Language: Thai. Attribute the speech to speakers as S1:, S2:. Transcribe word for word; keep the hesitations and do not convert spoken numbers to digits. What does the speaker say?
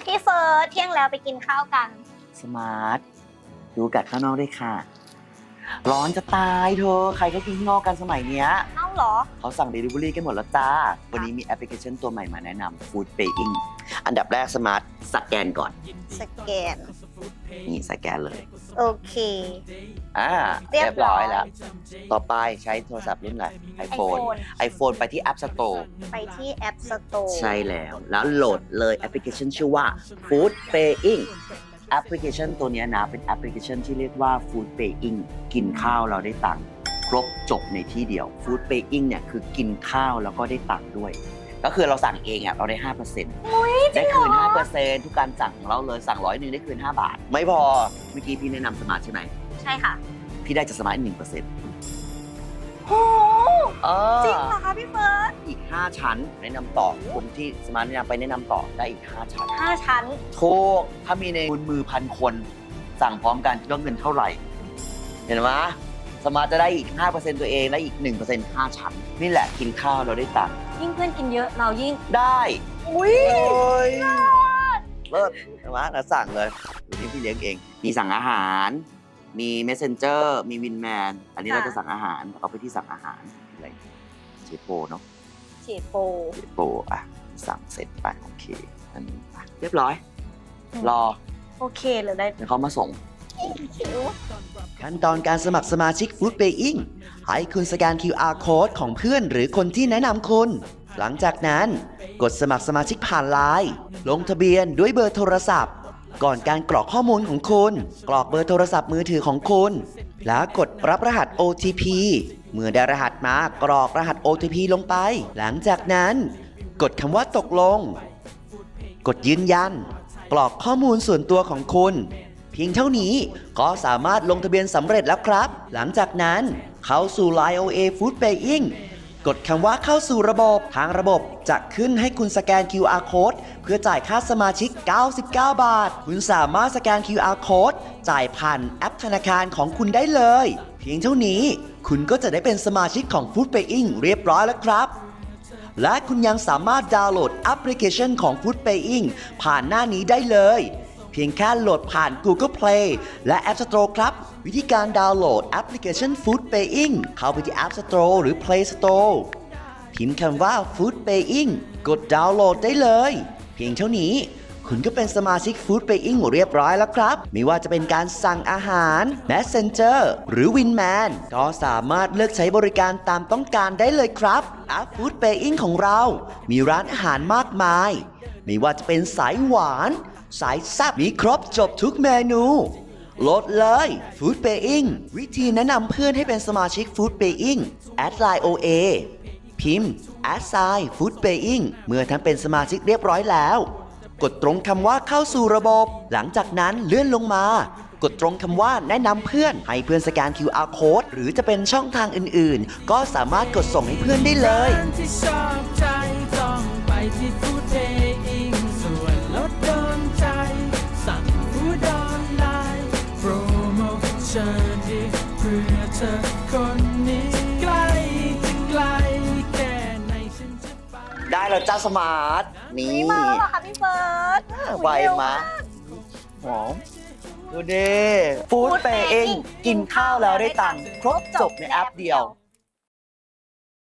S1: พี่เฟิร์สเที่ยงแล้วไปกินข้าวกัน
S2: สมาร์ทดูกัดข้างนอกด้วยค่ะร้อนจะตายเธอใครก็กินข้างนอกกันสมัยเนี้ย
S1: เอ้าเหรอ
S2: เขาสั่ง Delivery กันหมดแล้วจ้าวันนี้มีแอปพลิเคชันตัวใหม่มาแนะนำ Food Paying อันดับแรกสมาร์ทสแกนก่อน
S1: สแกน
S2: นี่สแกนเลย
S1: โอเค
S2: อ่าเรียบร้อยแล้วต่อไปใช้โทรศัพท์รุ่นอะไร iPhone iPhone ไปที่ App Store
S1: ไปที่ App Store
S2: ใช่แล้วแล้วโหลดเลยแอปพลิเคชันชื่อว่า Food Payingแอปพลิเคชันตัวนี้นะเป็นแอปพลิเคชันที่เรียกว่า Food Paying กินข้าวเราได้ตังค์ครบจบในที่เดียว Food Paying เนี่ยคือกินข้าวแล้วก็ได้ตังค์ด้วยก็คือเราสั่งเองอ่ะเราได้ ห้าเปอร์เซ็นต์ ได้คืน ห้าเปอร์เซ็นต์ ทุกการสั่งของเราเลยสั่งร้อยหนึ่งได้คืนห้าบาทไม่พอเมื่อกี้พี่แนะนำสมาร์ทใช่ไหม
S1: ใช่ค่ะ
S2: พี่ได้จากสมาร์ทหนึ่งเปอร์เซ็นต์
S1: โอ้จริงเหรอคะพี่เฟิร์ส
S2: อีกห้าชั้นแนะนำต่อคนที่สมาร์ทแนะนำไปแนะนำต่อได้อีกห้าชั้น
S1: ห้าชั้น
S2: ถูกถ้ามีในมือพันคนสั่งพร้อมกันคิดว่าเงินเท่าไหร่เห็นไหมสมาร์ทจะได้อีก ห้าเปอร์เซ็นต์ ตัวเองและอีก หนึ่งเปอร์เซ็นต์ ห้าชั้นนี่แหละกินข้าวเราได้ตังค์
S1: ยิ่งเพื่อนกินเยอะเรายิ่ง
S2: ได้
S1: อุ้ย
S2: เลิศใช่ไหมเราสั่งเลยวันนี้พี่เลี้ยงเองมีสั่งอาหารมี Messenger มี Winman อันนี้เราจะสั่งอาหารเอาไปที่สั่งอาหารอะไรเชโปเนาะ
S1: เชโป
S2: เชโปอ่ะสั่งเสร็จไปโอเคอันนี้เรียบร้อยรอ
S1: โอเคเลยได้
S2: เดี๋ยวเขามาส่งขั้นตอนการสมัครสมาชิก Food Paying ให้คุณสแกน คิว อาร์ Code ของเพื่อนหรือคนที่แนะนำคุณหลังจากนั้นกดสมัครสมาชิกผ่านไลน์ลงทะเบียนด้วยเบอร์โทรศัพท์ก่อนการกรอกข้อมูลของคุณกรอกเบอร์โทรศัพท์มือถือของคุณแล้วกดรับรหัส โอ ที พี เมื่อได้รหัสมากรอกรหัส โอ ที พี ลงไปหลังจากนั้นกดคำว่าตกลงกดยืนยันกรอกข้อมูลส่วนตัวของคุณเพียงเท่านี้ก็สามารถลงทะเบียนสำเร็จแล้วครับหลังจากนั้นเข้าสู่ ไลน์ โอ เอ Food Paying กดคำว่าเข้าสู่ระบบทางระบบจะขึ้นให้คุณสแกน คิว อาร์ Code เพื่อจ่ายค่าสมาชิกเก้าสิบเก้าบาทคุณสามารถสแกน คิว อาร์ Code จ่ายผ่านแอปธนาคารของคุณได้เลยเพียงเท่านี้คุณก็จะได้เป็นสมาชิกของ Food Paying เรียบร้อยแล้วครับและคุณยังสามารถดาวน์โหลดแอปพลิเคชันของ Food Paying ผ่านหน้านี้ได้เลยเพียงแค่โหลดผ่าน Google Play และ App Store ครับวิธีการดาวน์โหลดแอปพลิเคชัน Food Paying เข้าไปที่ App Store หรือ Play Store พิมพ์คำว่า Food Paying กดดาวน์โหลดได้เลยเพียงเท่านี้คุณก็เป็นสมาชิก Food Paying เรียบร้อยแล้วครับไม่ว่าจะเป็นการสั่งอาหาร Messenger หรือ Winman ก็สามารถเลือกใช้บริการตามต้องการได้เลยครับแอป Food Paying ของเรามีร้านอาหารมากมายไม่ว่าจะเป็นสายหวานสายแซ่บมีครบจบทุกเมนูโหลดเลย Food Paying วิธีแนะนำเพื่อนให้เป็นสมาชิก Food Paying แอดไลน์ โอ เอ พิมพ์ แอดไซน์ Food Paying เมื่อท่านเป็นสมาชิกเรียบร้อยแล้วกดตรงคำว่าเข้าสู่ระบบหลังจากนั้นเลื่อนลงมากดตรงคำว่าแนะนำเพื่อนให้เพื่อนสแกน คิว อาร์ Code หรือจะเป็นช่องทางอื่นๆก็สามารถกดส่งให้เพื่อนได้เลยได้แล้วจ้าสมาร์ทนี่
S1: มาแล้วเหรอคะพี่เฟิร์ส
S2: ไวมาหอมดูดิ Food Paying กินข้าวแล้วได้ตังค์ครบจบในแอปเดียว